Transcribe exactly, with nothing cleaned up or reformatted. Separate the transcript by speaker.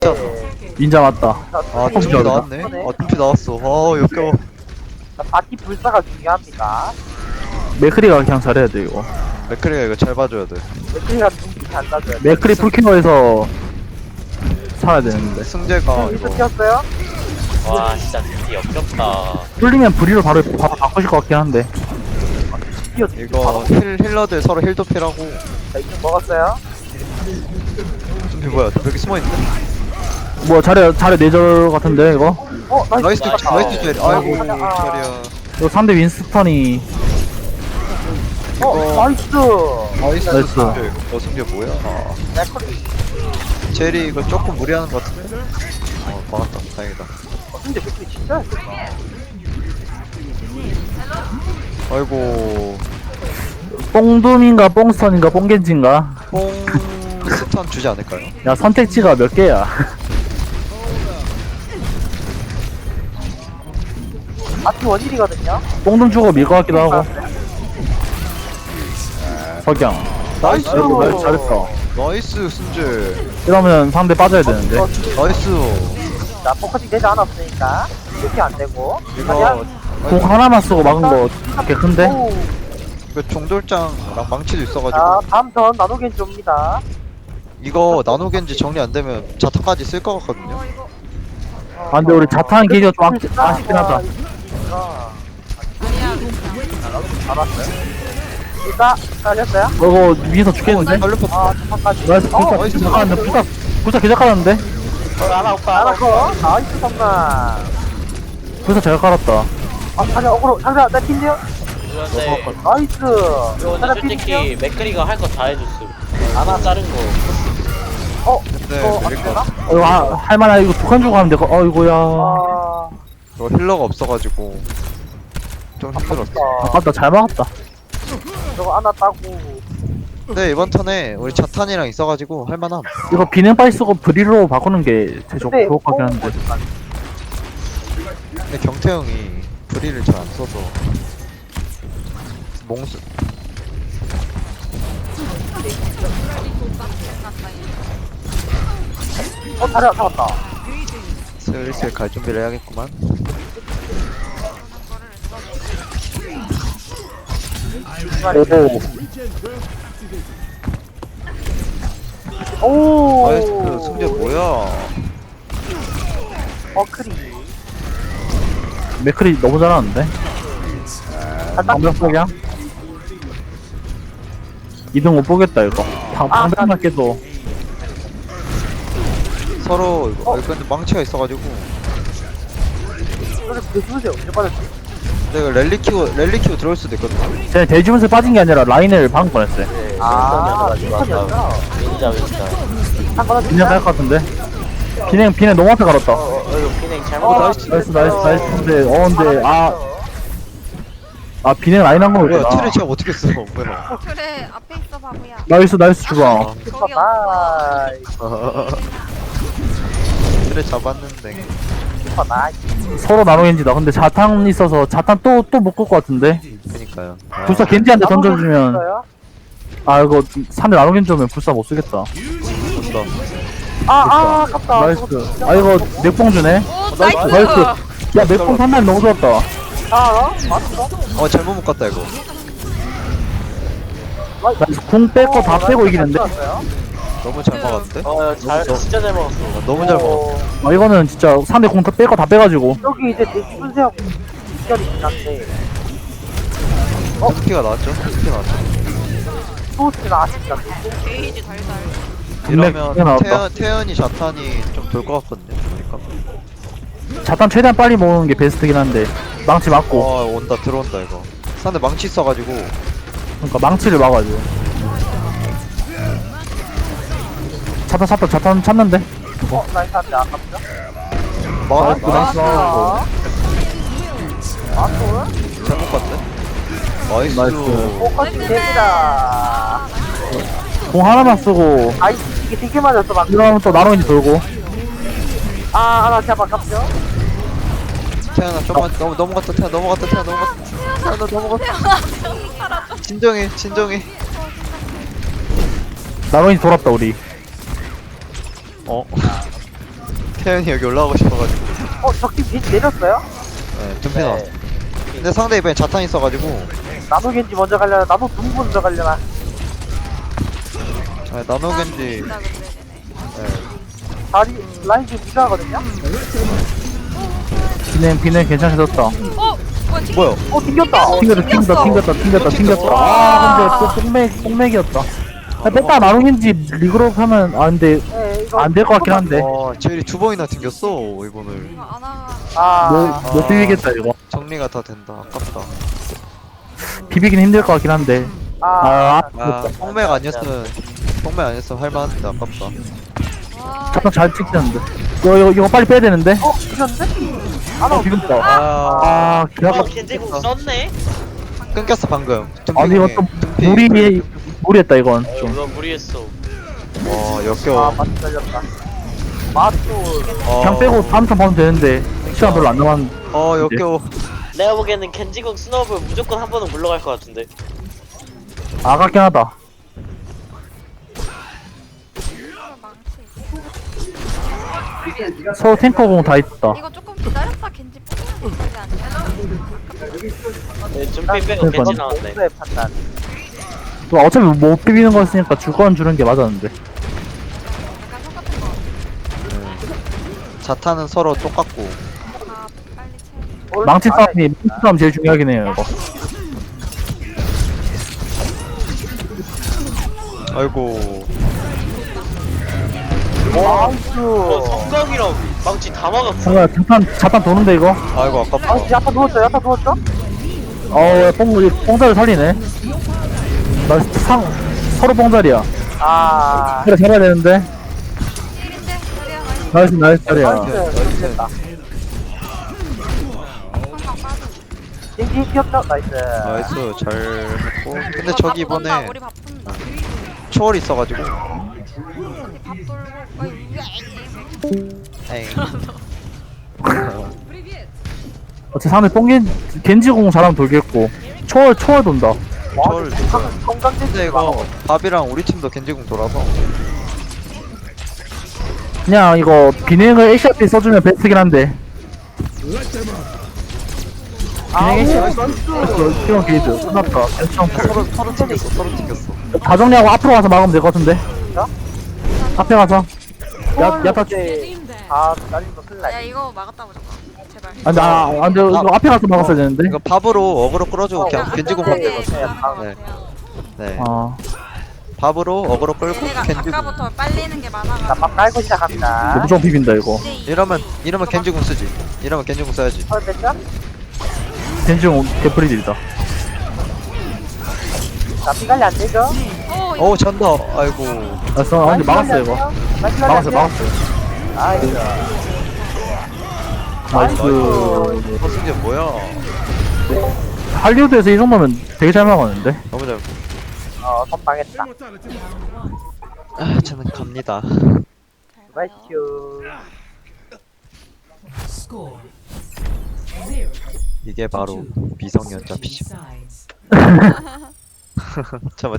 Speaker 1: 인자 맞다.
Speaker 2: 아, 둠피
Speaker 1: tum피
Speaker 2: 나왔네. 아, 둠피 나왔어. 아, 역겨워.
Speaker 3: 바티 불사가 중요합니다.
Speaker 1: 맥크리가 그냥 잘해야 돼 이거.
Speaker 2: 맥크리가 이거 잘 봐줘야 돼.
Speaker 3: 맥크리가 눈빛이 안 나줘요.
Speaker 1: 맥크리 풀키너에서 살아야 되는데.
Speaker 2: 승재가
Speaker 3: 윈스
Speaker 2: 이거
Speaker 3: 튀었어요?
Speaker 4: 와 진짜 진짜 역겹다.
Speaker 1: 풀리면 브리로 바로 바로 바꾸실 것 같긴 한데.
Speaker 3: 튀어.
Speaker 2: 이거 힐, 힐러들 서로 힐 도피라고.
Speaker 3: 자, 이거 먹었어요?
Speaker 2: 둠피 뭐야? 둠피 여기 숨어있네?
Speaker 1: 뭐 잘해 잘해 내절 같은데 이거.
Speaker 3: 어, 나이스.
Speaker 2: 나이스,
Speaker 4: 나이스.
Speaker 2: 나이스 제리. 아이고,
Speaker 3: 아.
Speaker 2: 자리야.
Speaker 1: 이거 상대 윈스턴이
Speaker 3: 어, 나이스.
Speaker 2: 나이스,
Speaker 1: 나이스.
Speaker 2: 승재. 어, 승재 뭐야? 아,
Speaker 3: 맥크리.
Speaker 2: 제리 이거 조금 무리하는 것 같은데? 어, 막았다. 다행이다.
Speaker 3: 어, 근데 맥크리 진짜 잘했다.
Speaker 2: 아이고,
Speaker 1: 뽕둠인가 뽕스턴인가 뽕겐지인가.
Speaker 2: 뽕 스턴 주지 않을까요?
Speaker 1: 야 선택지가 몇 개야.
Speaker 3: 바티 원일이거든요?
Speaker 1: 뽕둠 주고 밀 것 같기도 하고. 석양.
Speaker 2: 나이스!
Speaker 1: 아이고, 나이스 잘했다.
Speaker 2: 나이스, 승재.
Speaker 1: 이러면 상대 빠져야 되는데.
Speaker 3: 어,
Speaker 2: 나이스.
Speaker 3: 자, 포커싱 되지 않았으니까. 이렇게 안 되고.
Speaker 2: 이거,
Speaker 1: 공 하나만 쓰고 막은 거 꽤 큰데?
Speaker 3: 오.
Speaker 2: 이거 종돌장랑 망치도 있어가지고.
Speaker 3: 자, 다음 턴 나노겐 줍니다.
Speaker 2: 이거 나노겐지 정리 안 되면 자타까지 쓸 것 같거든요.
Speaker 1: 아 근데 우리 자탄 기지가 좀 아쉽- 아쉽긴 하다.
Speaker 3: 알았어요. 일단 깔렸어요?
Speaker 1: 이거 위에서 죽겠는데?
Speaker 2: 살려봤
Speaker 3: 아, 첫판까지.
Speaker 1: 나이스
Speaker 3: 어,
Speaker 1: 불사
Speaker 2: 나이스.
Speaker 1: 기적하는데 불사 불사 기적하는데?
Speaker 4: 하나 오빠 하나
Speaker 3: 알았어. 나이스 선만.
Speaker 1: 불사 잘 깔았다.
Speaker 3: 아, 자자 어그로. 자자 나 팀이요.
Speaker 4: 그런데
Speaker 3: 나이스.
Speaker 4: 이거
Speaker 3: 자자
Speaker 4: 근데
Speaker 3: 팀이요.
Speaker 4: 솔직히 맥크리가 할 거 다 해줬음. 하나 자른 거.
Speaker 3: 어,
Speaker 2: 네,
Speaker 3: 이거 안
Speaker 2: 그러니까.
Speaker 3: 되나?
Speaker 1: 어, 이거 하- 할만해. 이거 두 칸 주고 하면 돼. 어이구야.
Speaker 3: 아,
Speaker 2: 저 힐러가 없어가지고 좀 힘들었어.
Speaker 3: 아깝다.
Speaker 1: 아깝다. 잘 막았다.
Speaker 3: 저거 하나 따고.
Speaker 2: 근데 이번 턴에 우리 자탄이랑 있어가지고 할만함.
Speaker 1: 이거 비냉 빨리 쓰고 브리로 바꾸는 게 제일 좋-
Speaker 3: 근데
Speaker 1: 좋을 것 같긴
Speaker 3: 뽕
Speaker 1: 한데.
Speaker 2: 근데 경태 형이 브리를 잘 안 써서 몽스.
Speaker 3: 어, 다리 잡았다.
Speaker 2: 슬슬 갈 준비를 해야겠구만.
Speaker 1: 오.
Speaker 3: 오.
Speaker 2: 나이스. 승재 뭐야?
Speaker 3: 어, 크리.
Speaker 1: 맥클이 너무 잘하는데?
Speaker 3: 잘
Speaker 1: 방벽 석양? 이등 못 보겠다 이거. 방,
Speaker 3: 아,
Speaker 1: 방벽만 깨도.
Speaker 2: 서로 이거
Speaker 3: 어.
Speaker 2: 여기 근데 망치가 있어가지고.
Speaker 3: 이거는 대주세요. 언제 빠졌지?
Speaker 2: 근데 이거 랠리 키고 랠리 키고 들어올 수도 있거든.
Speaker 1: 쟤 대지문세 빠진 게 아니라 라인을 방금 보냈어요.
Speaker 3: 아,
Speaker 4: 윈스턴이었어
Speaker 3: 윈스턴이었어.
Speaker 4: 윈자 윈자.
Speaker 3: 한번
Speaker 1: 비냉 갈것 같은데? 비냉, 비냉 너무 앞에 갈았다.
Speaker 4: 어 이거 피냉 잘못.
Speaker 3: 어,
Speaker 4: 나이스.
Speaker 1: 나이스, 나이스, 나이스. 근데, 어, 근데, 아, 아, 비냉 라인 한
Speaker 2: 뭐야?
Speaker 1: 거구나.
Speaker 2: 틀을 제가 어떻게 써? 뭐야?
Speaker 5: 그래 앞에 있어 바보야.
Speaker 1: 나이스, 나이스 주방.
Speaker 5: 거기
Speaker 3: 슈퍼
Speaker 5: 없어.
Speaker 3: 나이스.
Speaker 2: 틀을 잡았는데.
Speaker 3: 슈퍼 나이스.
Speaker 1: 서로 나노 겐지다. 근데 자탄 있어서 자탄 또, 또 못 끌 것 같은데?
Speaker 2: 그니까요.
Speaker 1: 불사 겐지한테 던져주면, 아, 이거 상대 나노 겐지 오면 불사 못 쓰겠다.
Speaker 2: 좋다.
Speaker 3: 아, 아, 아깝다.
Speaker 1: 나이스. 아, 이거 맥봉 주네?
Speaker 5: 오
Speaker 1: 나이스,
Speaker 5: 나이스.
Speaker 1: 나이스. 야, 맥봉 판단 너무 좋았다.
Speaker 3: 아, 맞어?
Speaker 2: 어 잘못 묶었다 이거.
Speaker 1: 나이스. 궁 뺄거 다 빼고 이기는데?
Speaker 2: 너무 잘 막았는데?
Speaker 4: 어잘 진짜 잘 먹었어.
Speaker 2: 아, 너무 잘 먹었어.
Speaker 1: 아, 이거는 진짜 상대 궁 뺄거 다 빼가지고.
Speaker 3: 여기 이제 대주세요. 이결이긴 한데.
Speaker 2: 어? 스피가 나왔죠? 스피가 나왔죠?
Speaker 3: 소스가 아쉽다.
Speaker 5: 게이지 달달.
Speaker 1: 분맥
Speaker 2: 이러면
Speaker 1: 나왔다.
Speaker 2: 태연, 태연이 자탄이 좀 돌 것 같거든요. 그러니까.
Speaker 1: 자탄 최대한 빨리 모으는 게 베스트긴 한데. 망치 맞고.
Speaker 2: 와 온다 들어온다 이거. 상대 망치 있어가지고.
Speaker 1: 그러니까 망치를 막아야죠. 자탄 자탄 자탄 찾는데?
Speaker 3: 어, 나이스 한데 아깝죠?
Speaker 2: 막았다.
Speaker 1: 나이스.
Speaker 3: 아, 맞어?
Speaker 2: 잘못 봤네. 나이스.
Speaker 1: 나이스.
Speaker 3: 포커싱 됩니다.
Speaker 1: 공 하나만 쓰고
Speaker 3: 아이스 이게 되게 맞았어, 막.
Speaker 1: 이러면 또 나노인지 돌고.
Speaker 3: 아, 하나 제발 아깝죠?
Speaker 2: 태연아 좀만 넘, 넘어갔다 태연 넘어갔다 태연 넘어갔다. 태연아 넘어갔다. 진정해 진정해.
Speaker 1: 나노인지 돌았다 우리.
Speaker 2: 어? 태연이 여기 올라가고 싶어가지고.
Speaker 3: 어 적팀 겐지 내렸어요?
Speaker 2: 네, 둠피 나왔어. 근데 상대 이번에 자탄 있어가지고.
Speaker 3: 나노 겐지 먼저 가려나 나노 누구 먼저 가려나
Speaker 2: 아, 나노 겐지.
Speaker 5: 있다 근데 얘네.
Speaker 2: 네.
Speaker 3: 다리 라인 지금 니가 하거든요?
Speaker 1: 비냉 비냉 괜찮아졌다.
Speaker 5: 어? 뭐야 튀기
Speaker 2: 뭐야?
Speaker 3: 어 튕겼다
Speaker 1: 튕겼다 튕겼다 튕겼다 튕겼다 튕겼다. 아 근데 또 뽕맥 뽕맥이었다. 아, 뺐다 나누긴지 리그룹 하면 아 근데
Speaker 3: 네, 이거
Speaker 1: 안 될 것 같긴 한데.
Speaker 2: 와, 제일이 두 번이나 튕겼어, 이번을.
Speaker 5: 이거 아나가
Speaker 3: 아
Speaker 1: 못, 못 비비겠다 이거.
Speaker 2: 정리가 다 된다. 아깝다.
Speaker 1: 비비긴 힘들 것 같긴 한데.
Speaker 3: 아,
Speaker 1: 아,
Speaker 2: 아, 뽕맥 아니었으면, 뽕맥 아니었으면 할만한데, 아깝다.
Speaker 5: 와
Speaker 1: 잠깐 잘 찍혔는데. 이거 이거 이거 빨리 빼야 되는데.
Speaker 3: 어 이겼는데? 하나
Speaker 1: 어 비빔다.
Speaker 2: 아,
Speaker 1: 아 기다려.
Speaker 4: 어 겐지국 썼네?
Speaker 2: 끊겼어, 방금.
Speaker 1: 아니 이거 좀
Speaker 2: 둠피.
Speaker 1: 무리 무리했다 이건
Speaker 4: 어
Speaker 1: 좀.
Speaker 4: 이거 무리했어.
Speaker 2: 와,
Speaker 3: 아
Speaker 2: 역겨워.
Speaker 3: 맞살렸다 맞도
Speaker 2: 어,
Speaker 1: 그냥 빼고 다음 턴 봐도 되는데 시간 별로 안 남았는데.
Speaker 2: 어, 역겨워.
Speaker 4: 내가 보기에는 겐지국 스노우볼 무조건 한 번은 물러갈 것 같은데.
Speaker 1: 아깝긴 하다.
Speaker 5: 망치
Speaker 1: 서로 탱커공 다 있다.
Speaker 5: 이거 조금 기다렸다 겐지 뽑는 게 아니야?
Speaker 4: 네, 준비 빼고 겐지 나왔네.
Speaker 3: 공수의 판단
Speaker 1: 또 어차피 못 비비는 거였으니까 줄 건 주는 게 맞았는데.
Speaker 5: 약간 똑같은 거.
Speaker 2: 자탄은 서로 똑같고.
Speaker 5: 다 빨리 채워.
Speaker 1: 망치 싸움이 망치 싸움 제일 중요하긴 해요 이거.
Speaker 2: 아이고.
Speaker 3: 나이스
Speaker 4: 어 성광이랑 망치 다 막았어.
Speaker 1: 뭔가 자탄 자탄 도는데 이거.
Speaker 2: 아이고,
Speaker 3: 아
Speaker 2: 아깝다.
Speaker 3: 야타 누웠죠 야타 누웠죠?
Speaker 1: 어 뽕 뽕자를 살리네. 나 상 서로 뽕자리야.
Speaker 3: 아
Speaker 1: 그래 잡아야 되는데.
Speaker 5: 일인데 자리야 많이
Speaker 1: 나이스 나이스 자리야.
Speaker 3: 나이스 됐다
Speaker 5: 성광 빠져.
Speaker 3: 겐지 귀엽죠? 나이스
Speaker 2: 나이스, 잘 했고. 근데
Speaker 5: 이거
Speaker 2: 저기
Speaker 5: 바쁜다,
Speaker 2: 이번에
Speaker 5: 우리 바쁜다.
Speaker 2: 초월이 있어가지고.
Speaker 5: 우리 밥 돌고 어이
Speaker 2: 에이.
Speaker 1: 어차피 상대 뽕겐 겐지공 잘하면 돌겠고 초월 초월 돈다.
Speaker 2: 초월 진짜.
Speaker 3: 건강
Speaker 2: 근데
Speaker 3: 겐지
Speaker 2: 이거 밥이랑 우리 팀도 겐지궁 돌아서.
Speaker 1: 그냥 이거 비냉을 에이씨아피 써주면 베스트긴 한데. 비냉 에이씨아피 이런 게이드 끝났다. 괜찮고.
Speaker 2: 서로, 서로 튕겼어, 서로 튕겼어.
Speaker 1: 다 정리하고 앞으로 가서 막으면 될 것 같은데. 앞에 가서. 야 야타.
Speaker 3: 아 날린 거 큰일
Speaker 5: 야
Speaker 3: 날
Speaker 5: 이거 막았다 보자. 제발.
Speaker 1: 아니 나 아, 근데 이거 앞에 가서 막았어야 되는데.
Speaker 2: 이거 밥으로 어그로 끌어주고 그냥 겐지궁밖에
Speaker 5: 네,
Speaker 2: 없어.
Speaker 5: 가는 것
Speaker 2: 네.
Speaker 5: 같아요.
Speaker 2: 네.
Speaker 1: 아
Speaker 2: 밥으로 어그로 끌고
Speaker 5: 얘네가
Speaker 2: 겐지궁.
Speaker 5: 아까부터 빨리는 게
Speaker 3: 자,
Speaker 5: 많아가지고.
Speaker 3: 밥 깔고 시작합니다.
Speaker 1: 이거 무조건 비빈다 이거.
Speaker 5: 이제
Speaker 2: 이러면 이러면 겐지궁 쓰지. 이러면 겐지궁 써야지.
Speaker 3: 헐 됐죠?
Speaker 1: 겐지공 개프리딜이다.
Speaker 3: 자, 피관리 안 되죠?
Speaker 5: 어, 이거
Speaker 2: 어우 잔다. 아이고.
Speaker 1: 알았어. 아 근데 막았어 이거. 막았어 막았어.
Speaker 3: 나이스.
Speaker 1: 나이스.
Speaker 2: 허승재 뭐야?
Speaker 1: 할리우드에서 이 정도면 되게 잘 막았는데.
Speaker 2: 너무 잘.
Speaker 3: 어, 선방했다.
Speaker 2: 아 저는 갑니다.
Speaker 3: 나이스.
Speaker 6: Score zero
Speaker 2: 이게 바로
Speaker 6: to
Speaker 2: 미성년자 피지.
Speaker 6: sides.
Speaker 2: 잠깐